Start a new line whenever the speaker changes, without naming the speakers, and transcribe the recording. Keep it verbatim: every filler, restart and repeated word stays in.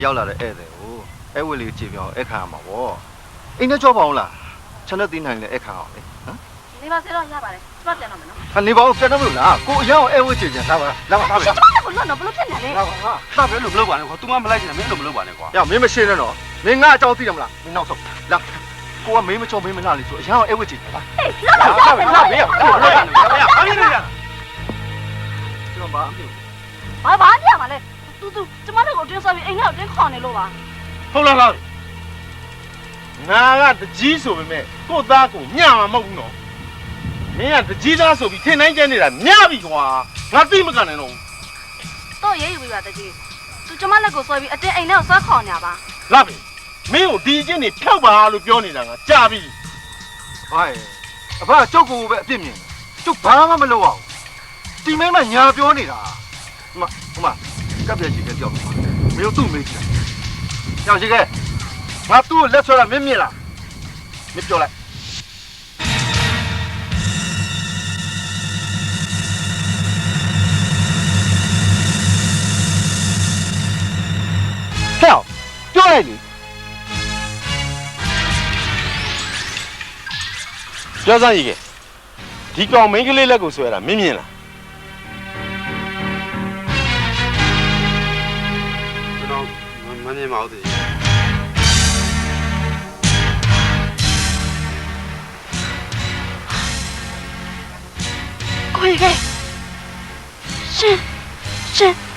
ရောက်လာတဲ့ဧည့်သည်ကိုအဲ့ဝက်လေးကြည့်ပြောင်းအခါမှာပေါ့အိမ်နဲ့ကြောက်ပါအောင်လားချက်လက်သိနိုင်လေအခါအောင်လေဟမ်
နေပါစေတော့ရပါတယ်ကျမပြန်တော့မယ်နော်
ဟာနေပါဦးပြန်တော့မလို့လားကိုအရင်ကဧည့်ဝက်ကြည့်ကြလာပါလာပါပဲ
ကျမလည်းဘလို့တော့ဘလို့ဖြစ်နေလဲ
လာပါဟာ
တာပဲလို့မလုပ်ပါနဲ့ကွာ तू မမလိုက်ချင်တာမင်းလို့မလုပ်ပါနဲ့ကွာ
။မင်းမရှိနဲ့တော့။မင်းငါအကြောင်းသိတယ်မလား။မင်းနောက်ဆုံးလာ။ကိုကမင်းမချုံမင်းမနာလေဆိုအရင်ကအဲ့ဝက်ကြည့်ပါလား
ဟေးလောက်တော့ရမယ်လောက်ရမယ်
ဘာလို့လဲဘာလို့လဲ
။ကျွန်တော်ဘာအမြင်
ဘာဘာပြမှာလဲတူတူကျမတို့ကိုတင်းဆော်ပြီးအိမ်ထဲကိုတင်းခေါ်နေလို့ပါ
ဟုတ်လားလားငါကတကြီးဆိုပေမဲ့ကို့သားကိုညမှာမဟုတ်ဘူးနော်မင်းကတကြီးသားဆိုပြီးထင်တိုင်းကျနေတာညပြီကွာငါသိမကန်နိုင်တော့ဘူး
တော့ရေးယူပြီးပါတကြီးသူကျမလက်ကိုဆွဲပြီးအတင်းအိမ်ထဲကိုဆွဲခေါ်နေပါ
လာပြီမင်းကိုဒီအချင်းနေဖြောက်ပါလို့ပြောနေတာကကြာပြီ
။ဘာရဲ့။အဖကကျုပ်ကိုပဲအပြစ်မြင်တယ်။ကျုပ်ဘာမှမလုပ်အောင်။ဒီမင်းမညာပြောနေတာ။ဟိုမှာဟိုမှာကပ်ပြည့်ရှိခဲ့ကြောက်မှာ။မင်းတို့သူ့မေးကြည့်။ကြောက်ရှိခဲ့။ငါသူ့ကိုလက်ဆွဲတာမင်းမြင်လား။မင်းပြောလိုက်။ဟဲ့ပြောလိုက်လေ
ပြောစမ်းကြီးကဒီကောင်မင်းကလေးလက်ကိုဆွဲတာမင်းမြင်လား
ကျွန်တော်မမြင်ပါဘူးတည်း
ကိုကြီးကရှင်ရှင်